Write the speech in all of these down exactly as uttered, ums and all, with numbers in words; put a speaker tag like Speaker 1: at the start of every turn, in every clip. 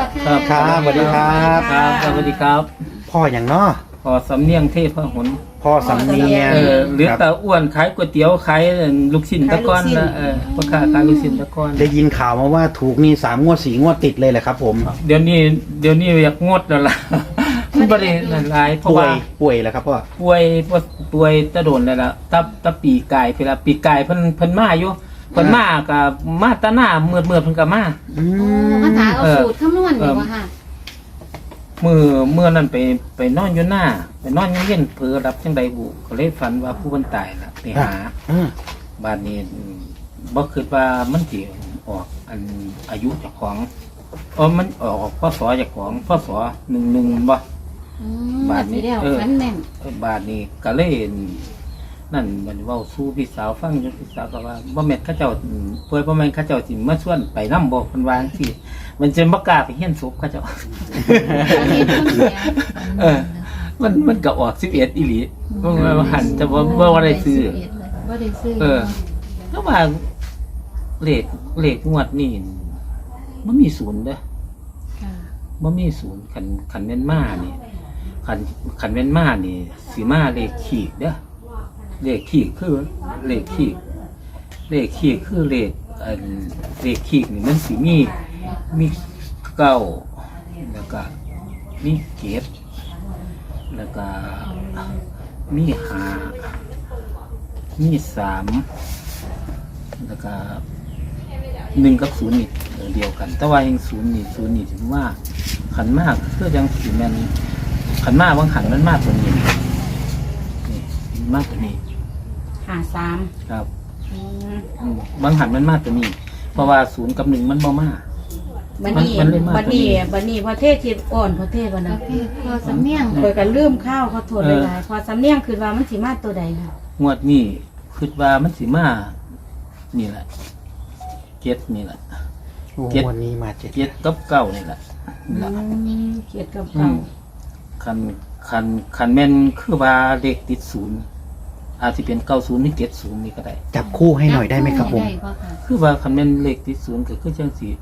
Speaker 1: ครับครับสวัสดีครับ
Speaker 2: ครับสวัสดีครับ
Speaker 1: พ่ออย่างเนาะ
Speaker 2: พอสำเนียงเทพหน
Speaker 1: พ่อสำเนียง
Speaker 2: เออหรือ
Speaker 1: ครับ
Speaker 2: ตาอ้วนขายก๋วยเตี๋ยวขายลูกชิ้นตะก้อนนะเออพ่อค้าขายลูกชิ้นตะก้อน
Speaker 1: ได้ยินข่าวมาว่าถูกนี่สามงวดสี่งวดติดเลยแหละครับผม
Speaker 2: เดี๋ยวนี้เดี๋ยวนี้อยากงดแล้วล่ะมันบ่ได้หลายเพราะ
Speaker 1: ป่ว
Speaker 2: ว่าย
Speaker 1: ป่วยแล้วครับพ่อ
Speaker 2: ป่วยป่วยตะโดนแล้วล่ะตะตะปีกายเวลาปีกายเพิ่นเพิ่นมาอยู่เพิ่นมากับมาตะหน้าเมื่อเมื่อเพิ่นก็มา
Speaker 1: อื
Speaker 3: โอ้
Speaker 1: ม
Speaker 3: ภาษาเอาสูตรคำนวณดีกว่าค่ะ
Speaker 2: มือเมื่อนั้นไปไปนอนอยู่หน้าไปนอนอยู่เย็นเผลอรับจังใดบุก็เลยฝันว่าผู้คนตายล่ะไปหา
Speaker 1: อืม
Speaker 2: บ้านนี้อืมบ่คิดว่ามันสิออกอันอายุเจ้าของเออมันออกพศเจ้าของพศหนึ่งหนึ่งบ่
Speaker 3: อืม
Speaker 2: บาทนี้
Speaker 3: สีเดียว
Speaker 2: เออ
Speaker 3: ฟันแม่น
Speaker 2: เออบาทนี้ก็เลยนั่นมันเว้าสู้พี่สาวฟังอยู่พี่สาวก็ว่าบ่แม่นเขาเจ้าอืมเพิ่นบ่แม่นเขาเจ้าสิมาชวนไปนำบ่เพิ่นว่าจังซี่มันจะบ่กล้าไปเฮียนศพเขาเจ้า
Speaker 3: อันนี้ต้นเสีย
Speaker 2: เออ มันมันก็ออกสิบเอ็ดอีหลีมันว่าหันจะว่าว่าว่าได้ซื้อ
Speaker 3: บ่ได้ซื้อ
Speaker 2: เออแล้วว่าเลขเลขงวดนี่มันมีศูนย์เด้อ
Speaker 3: ค่ะ
Speaker 2: มันมีศูนย์ขันขันเว้นมานี่ขันขันเว้นมานี่สีมาเลขขีดเด้อเลขขีดคือเลขขีดเลขขีดคือเลขอันเลขขีดนี่มันสีมีมีเก้าแล้วก็มีเก็บแล้วก็มีหามีสามแล้วก็หนึ่งกับศูนย์นี่เดียวกัน แต่ว่ายังศูนย์นี่ศูนย์นี่ถือว่าขันมากเพื่อยังสีแมนขันมากบางขันมันมากกว่านี้นี่มากกว่านี้
Speaker 3: หาสาม
Speaker 2: ครับ
Speaker 3: อืม
Speaker 2: อืมบางขันมันมากกว่านี้ เพราะว่าศูนย์กับหนึ่งมันบ่มาก
Speaker 4: บัดนี้
Speaker 2: มันเลยมาก
Speaker 4: บัดนี้บัดนี้พอเทศทิดอ่อนพอเทศบัด
Speaker 3: ป
Speaker 4: นั้
Speaker 3: ระ
Speaker 4: น
Speaker 3: เภทพอสำเนียง
Speaker 4: เปิดกันลืมข้าวเขาโทษหลายๆพอสำเนียงคือว่ามันสิมาตัวใดค่ะ
Speaker 2: งวดนี้คิดว่ามันสีมานี่แหละเจ็ดนี่แหละ
Speaker 1: โอ้
Speaker 2: เจ็ด
Speaker 1: วันนี้มาเจ็ด
Speaker 2: เจ็ดกับเก้านี่แหละนี่แหละ
Speaker 4: อืมเกียรติกับ
Speaker 2: อื
Speaker 4: เก่าม
Speaker 2: คันคันคันแม่นคือว่าเลขติดศูนย์อาจจะเป็นเก้าศูนย์หรือเจ็ดศูนย์นี่ก็ได้
Speaker 1: จับคู่ให้หน่อยได้ไหมครับผม
Speaker 3: ได้บ่ค่ะ
Speaker 2: คือว่าคันแม่นเลขติดศูนย์ก็คือจังสี่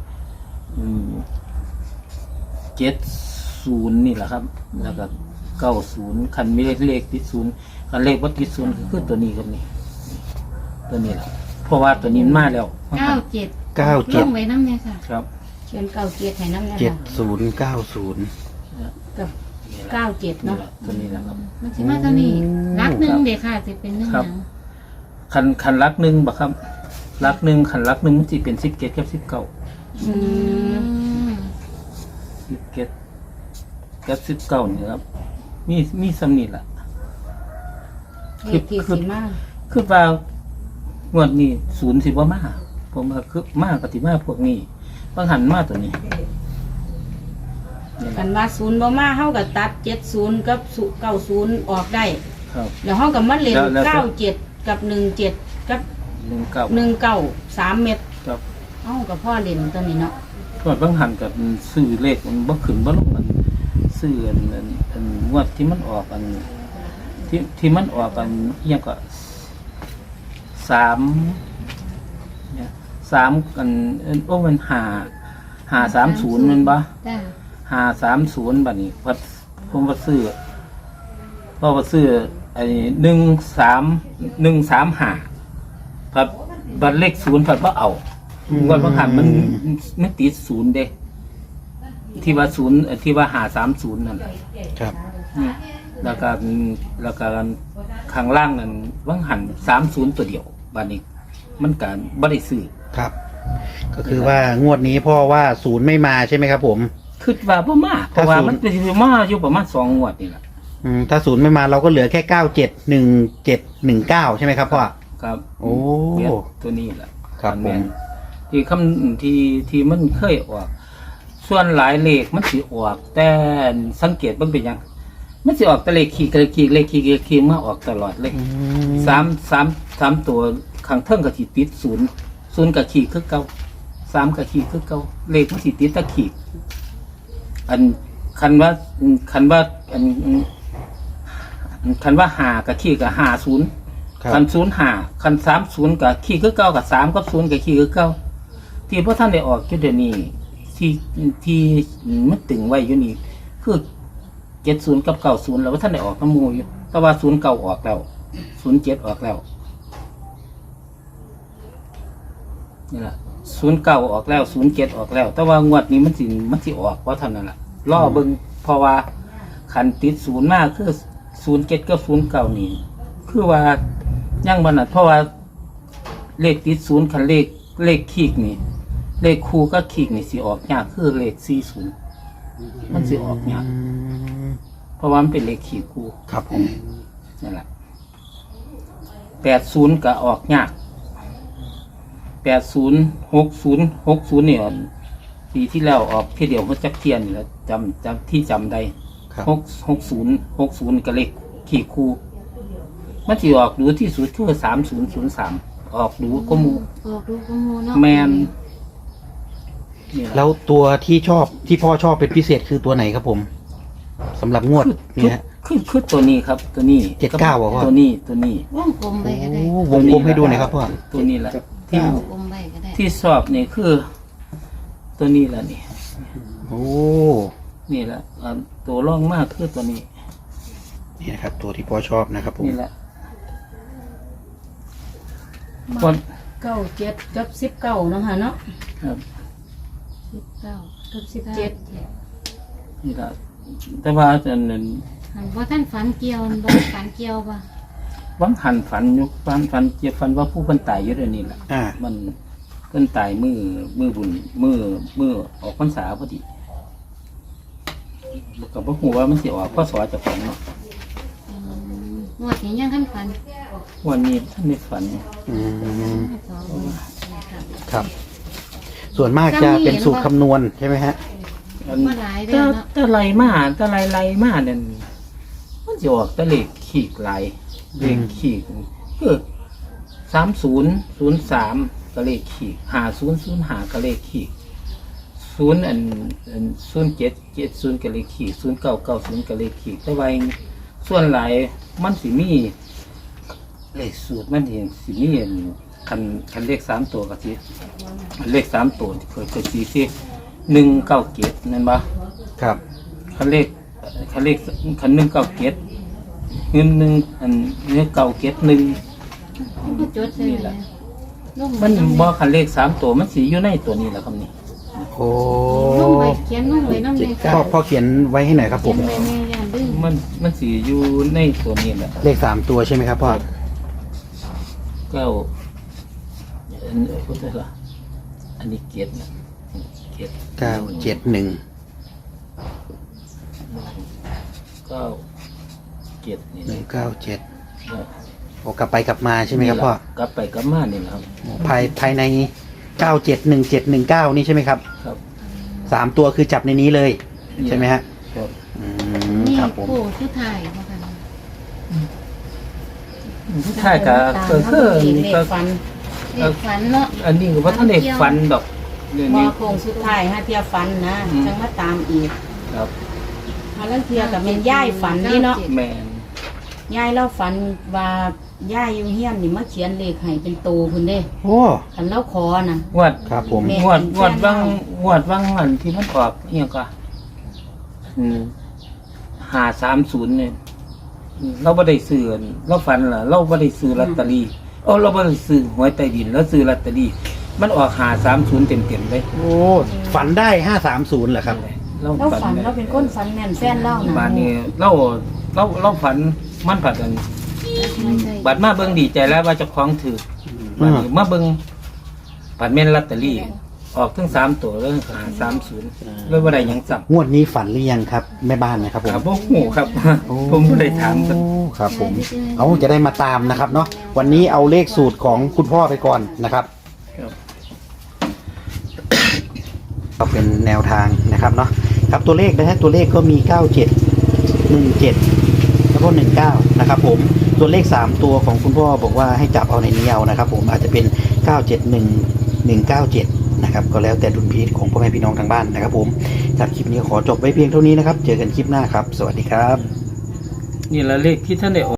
Speaker 2: เจ็ดศูนย์นี่แหละครับ แล้วก็เก้าศูนย์คันมีเลขเลขติดศูนย์คันเลขวัดติดศูนย์ก็คือตัวนี้กับนี่ตัวนี้แหละเพราะว่าตัวนี้มันมาแล้ว
Speaker 3: เก้าเจ็ด
Speaker 1: เก้า
Speaker 3: ล
Speaker 1: เจ็ด
Speaker 3: งไว้น้ำเนี่ยค่ะ
Speaker 2: ครับ
Speaker 4: เขียนเก้าเกียรติให้น้ำนะ
Speaker 1: เจ็ด
Speaker 4: คะ
Speaker 1: ศูนย์เก้าศูนย์
Speaker 4: กับเก้าเจ็ด
Speaker 2: นี่
Speaker 4: เนาะ
Speaker 2: แหละตัวนี้แหละครับ
Speaker 3: มันสิมาเท่านี้รักหนึ่งเด็กค่ะจะเป็นหนึ่ง
Speaker 2: ครับ
Speaker 3: หยัง
Speaker 2: คันคันลักหนึ่งบ่ครับลักหนึ่งคันลักหนึ่งมันจะเป็นสิบเกตกับสิบเก้า
Speaker 4: อืม
Speaker 3: อืม
Speaker 2: สิบเกตกับสิบเก้านี่ครับมีมีสำนีแหละ
Speaker 4: เลขที่สิมา
Speaker 2: คือว่างวดนี้ศูนย์สิบว่ามาผมว่าคือมาปฏิมาพวกนี้บางหันมาตัวนี้นี่แห
Speaker 4: กั
Speaker 2: ละ
Speaker 4: นว่าศูนย์บ่มาเฮากับตัดเจ็ดศูนย์กับเก้าศูนย์ออกได้
Speaker 2: ครับ
Speaker 4: แล้วเฮากับมาเล่น
Speaker 2: แล้วแล้ว
Speaker 4: เก้าเจ็ดกับหนึ่งเจ็ดกับ
Speaker 2: หนึ่งเก้า
Speaker 4: หนึ่งเก้าสามเม็ด
Speaker 2: ครับ
Speaker 4: เอ้ากับพ่อเล่นตัวนี้เนาะ
Speaker 2: งวดบางหันกับซื้อเลขมันบ่ขึ้นบ่ลงกันซื้ออันอันอันงวดที่มันออกอัน ที่ที่มันออกกันเอียงก็สามเนี่ยสามกันเอิ่นโอ้มันหาหาสามศูนย์มันบ่
Speaker 3: จ้า
Speaker 2: หาสามศูนย์บัดนี้พัดผมก็ซื้อเพราะว่าซื้อไอ้หนึ่งสามหนึ่งสามหาพัดบัดเลขศูนย์พัดว่าเอางวดบางหันมันมันติดศูนย์เด้ ที่ว่าศูนย์เอ่อที่ว่าหาสามศูนย์นั่นแหละ
Speaker 1: ครับ
Speaker 2: อืมแล้วก็แล้วก็ข้างล่างนั้นว่างหันสามศูนย์ตัวเดียวบานนี้มันการบริสื่อ
Speaker 1: ครับ ก็คือว่างวดนี้พ่อว่าศูนย์ไม่มาใช่ไหมครับผม
Speaker 2: คิดว่าพ่มาเพราะว่า
Speaker 1: ถ้าศูนย์
Speaker 2: มันเป็นมาอยู่ประมาณสองงวดนี่แหละ
Speaker 1: อืมถ้าศูนย์ไม่มาเราก็เหลือแค่เก้าเจ็ดหนึ่งเจ็ดหนึ่งเก้าใช่ไหมครับพ่อ
Speaker 2: ครับ
Speaker 1: โอ้
Speaker 2: เวียดตัวนี้แหละ
Speaker 1: ครับ
Speaker 2: แม่น
Speaker 1: ผม
Speaker 2: ที่คำที่ที่มันเคยออก ส่วนหลายเลขมันสิออก แต่สังเกตเบิ่งเป็นหยังมันสิออกแต่เลขขีดเลขขีดเลขขีดเลขขีดมาออกตลอดเลย
Speaker 1: อืม
Speaker 2: สามสามสามตัวข้างเทิงกับขีดติดศูนย์ศูนย์กับขีดคือเก่าสามกับขีดคือเก่าเลขมันขีดติดแตะขีด อันคันว่าคันว่าอันคันว่าหากับขีดกับหาศูนย์
Speaker 1: ครับ
Speaker 2: คันศูนย์หาคันสามศูนย์กับขีดคือเก่ากับสามกับศูนย์กับขีดคือเก่าที่พวกท่านได้ออกจุดเดี๋ยวนี้ที่ที่มันตึงไว้อยู่นี่คือเจ็ดศูนย์กับเก้าศูนย์แล้วว่าท่านได้ออกน้ำมูอยู่แต่ว่าศูนย์เก้าออกแล้วศูนย์เจ็ดออกแล้วนี่แหละศูนย์เก้าออกแล้วศูนย์เจ็ดออกแล้ว แต่ว่างวดนี้มันสิมันสิออกเพราะเท่านั้นแหละล่อเบิ่งเพราะว่าขันติดศูนย์มากคือศูนย์เจ็ดกับศูนย์เก้านี่คือว่าย่างบันนัดเพราะว่าเลขติดศูนย์ขันเลขเลขขีกนี่เลขคู่ก็ขีกนี่สิออกยากคือเลขสี่ศูนย์มันสิออกยาก
Speaker 1: อืม
Speaker 2: เพราะว่ามันเป็นเลขขีกคู่
Speaker 1: ครับผม
Speaker 2: นั่นแหละแปดศูนย์ก็ออกยากแปดศูนย์หกศูนย์หกศูนย์เนี่ยปีที่แล้วออกแค่เดียวมันจักเทียนนี่แหล้วจำจำที่จำได้
Speaker 1: ครับ
Speaker 2: หกหกศูนย์หกศูนย์ก็เลขขีกคู่มันจะออกดูที่สุดคือสามศูนย์ศูนย์สามออกดูก็หมู
Speaker 3: ออกดูกมูเนาะ
Speaker 2: แมนนี่ล่ะ
Speaker 1: แล้วตัวที่ชอบที่พ่อชอบเป็นพิเศษคือตัวไหนครับผมสำหรับงวด
Speaker 2: คือ
Speaker 1: เนี่ยฮะ
Speaker 2: คือคือตัวนี้ครับ ตัวนี้
Speaker 1: เจ็ดเก้าเหรอพ่อ
Speaker 2: ตัวนี้ตัวนี้
Speaker 3: วงกลมไปก็ได้
Speaker 1: โอ้วงกลมให้ดูหน่อยครับพ่อ
Speaker 2: ตัวนี้แหละที่
Speaker 3: วงกลมไปก็ได้
Speaker 2: ที่สอบนี่คือ ตัวนี้แหละนี่
Speaker 1: โอ้
Speaker 2: นี่แหละอ่าตัวร่องมากคือตัวนี้
Speaker 1: นี่นะครับ ตัวที่พ่อชอบนะครับผม
Speaker 2: นี่แหละคน
Speaker 4: เก้าเจ็ดกับสิบเก้าเนาะค่ะเนาะ
Speaker 2: ครับ
Speaker 3: สิบเก้า
Speaker 4: กับสิบเจ็ด
Speaker 2: นี่แหละแต่ว่าอันนั้น
Speaker 3: หันว่าท่านฝันเกี่ยวบ่ฝันเกี่ยวป่ะ
Speaker 2: วังหันฝันอยุคฝันฝันเจ็บฝันว่าผู้คนตายอยู่เดี๋ยวนี้แหละ
Speaker 1: อ่า
Speaker 2: มันเพิ่นตายมือมือบุญมือมือออกพรรษาพอดีกับพ่อหูว่ามันสิออกพ่อสอจะฝันเนาะ
Speaker 3: อืมงวดนี้ยังท่านฝัน
Speaker 2: วันนี้ท่านไม่ฝัน
Speaker 1: อืม
Speaker 3: สองครับ
Speaker 1: ครับ ส่วนมากจะเป็นสูตรคำนวณใช่ไหมฮะ
Speaker 2: อัน
Speaker 3: บ่หลายเด้
Speaker 2: ถ้า
Speaker 3: อเนาะ
Speaker 2: ถ้าไรมาถ้าไรไรมาเนี่ยมันจะออกแตะเลขขีกไหลเลขขีกคือสามศูนย์ศูนย์สามก็เลขขีกหาศูนย์ศูนย์หาก็เลขขีกศูนย์อันอันศูนย์เจ็ดเจ็ดศูนย์ก็เลขขีกศูนย์เก้าเก้าศูนย์ก็เลขขีกแต่ว่าส่วนหลายมันสิมีเลขสูตรมันเห็นสิมีอันคันคันเลขสามตัวก็สิเลขสามตัวเคยเคยสีสิหนึ่งเก้าเจ็ดนั่นปะ
Speaker 1: ครับ
Speaker 2: คันเลขคันเลขคันหนึ่งเก้าเจ็ดเงินหนึ่งอันเนื้อเก้าเจ็ดหนึ่ง
Speaker 3: มันก็จดใส่เลยลง
Speaker 2: มันบ่คันเลขสามตัวมันสีอยู่ในตัวนี้แหละครับนี่
Speaker 1: โอ้
Speaker 3: ลงไปเขียนลงไปน้ำเลย
Speaker 1: พ่อพ่อเขียนไว้ให้หน่อยครับผ
Speaker 3: เขีย
Speaker 1: ม
Speaker 3: นไปแม่ย่านดื้อ
Speaker 2: มันมันสีอยู่ในตัวนี้แหละ
Speaker 1: เลขสามตัวใช่ไหมครับพ่อ
Speaker 2: เก้าอันเอ้ยพูดได้ละอันนี้เกียรตินะเกียรติ
Speaker 1: เก้าเจ็ดหนึ่ง
Speaker 2: เก้าเกียรตินี่
Speaker 1: หนึ่งเก้าเจ็ด
Speaker 2: นะ
Speaker 1: โอ้กลับไปกลับมาใช่ไหมครับพ่อ
Speaker 2: กลับไปกลับมานี่แหละครับ
Speaker 1: ภายภายในเก้าเจ็ดหนึ่งเจ็ดหนึ่งเก้านี่ใช่ไหมครับ
Speaker 2: ครับ
Speaker 1: สามตัวคือจับในนี้เลย ใช่ไหมฮะ
Speaker 2: ครับ
Speaker 1: อืม
Speaker 3: นี่
Speaker 1: ครับผม
Speaker 3: ผู้ชื่อไทยว่ากัน
Speaker 2: ใช่ก็ก็คือ
Speaker 4: เลข
Speaker 2: ก็
Speaker 4: ฟัน
Speaker 3: เด็กฝันเนาะ
Speaker 2: อันนี้ก็ว่าท่านเด็กฟันดอกเรื่อง
Speaker 4: มอ
Speaker 2: นี้
Speaker 4: โคงสุดท้ายฮะเทียฟันนะ
Speaker 2: อืม
Speaker 4: จังมาตามอีก
Speaker 2: ครับ
Speaker 4: มาแล้วเทียกับเป็นย่ายฝันนี่เนาะ
Speaker 2: แมน
Speaker 4: ย่ายเล่าฝันว่าย่ายอยู่เฮียนนี่มาเขียนเลขให้เป็นโตพุ่นเด้
Speaker 1: โอ้
Speaker 4: คันเล่าคอนะ
Speaker 2: งวด
Speaker 1: ครับผม
Speaker 4: แม่
Speaker 2: งวดงวดว่างงวดว่างอันที่มันออกเอียงก็อืมหาสามศูนย์เนี่ยอืมเราไม่ได้ซื้ออันเราฝันเหรอเราไม่ได้ซื้อลอตเตอรี่โอ้เราไม่ได้ซื้อหวยใต้ดินแล้วซื้อลอตเตอรี่มันออกหาสามศูนย์เต็มเต็มๆเลย
Speaker 1: โอ้ฝันได้ห้าสามศูนย์เหรอครับ
Speaker 2: เรา
Speaker 4: เล่า
Speaker 2: ฝั
Speaker 4: ฝั
Speaker 2: น
Speaker 4: นเราเป็นคนฝันแม่นแฟนเล่านะ
Speaker 2: บานนี้เราเราเราฝันมันผัดกัน
Speaker 3: ไม่ใช่
Speaker 2: บัดมาเบิ่งดีใจแล้วว่าเจะคล้าของถือ
Speaker 1: อืม
Speaker 2: บัดนี้มาเบิ่งบัดแม่นลอตเตอรี่ ออกทั้งสามตัวเลยหาสามศูนย์เลยว่าได้หยังสับ
Speaker 1: งวดนี้ฝันหรือยังครับแม่บ้านนะครับผม
Speaker 2: ครับพวกหูครับ ผมก็ได้ถามกัน
Speaker 1: โอ้ครับผม เอาจะได้มาตามนะครับเนาะวันนี้เอาเลขสูตรของคุณพ่อไปก่อนนะครับ
Speaker 2: ครับ
Speaker 1: ก็เป็นแนวทางนะครับเนาะครับตัวเลขนะฮะตัวเลขก็มีเก้าเจ็ดหนึ่งเจ็ดแล้วก็หนึ่งเก้านะครับผมตัวเลขสามตัวของคุณพ่อบอกว่าให้จับเอาในนี้เอานะครับผมอาจจะเป็นเก้าเจ็ดหนึ่ง หนึ่งเก้าเจ็ดนะครับก็แล้วแต่ดุลพินิจของพ่อแม่พี่น้องทางบ้านนะครับผมจากคลิปนี้ขอจบไว้เพียงเท่านี้นะครับเจอกันคลิปหน้าครับสวัสดีครับ
Speaker 2: นี่ละเลขที่ท่านได้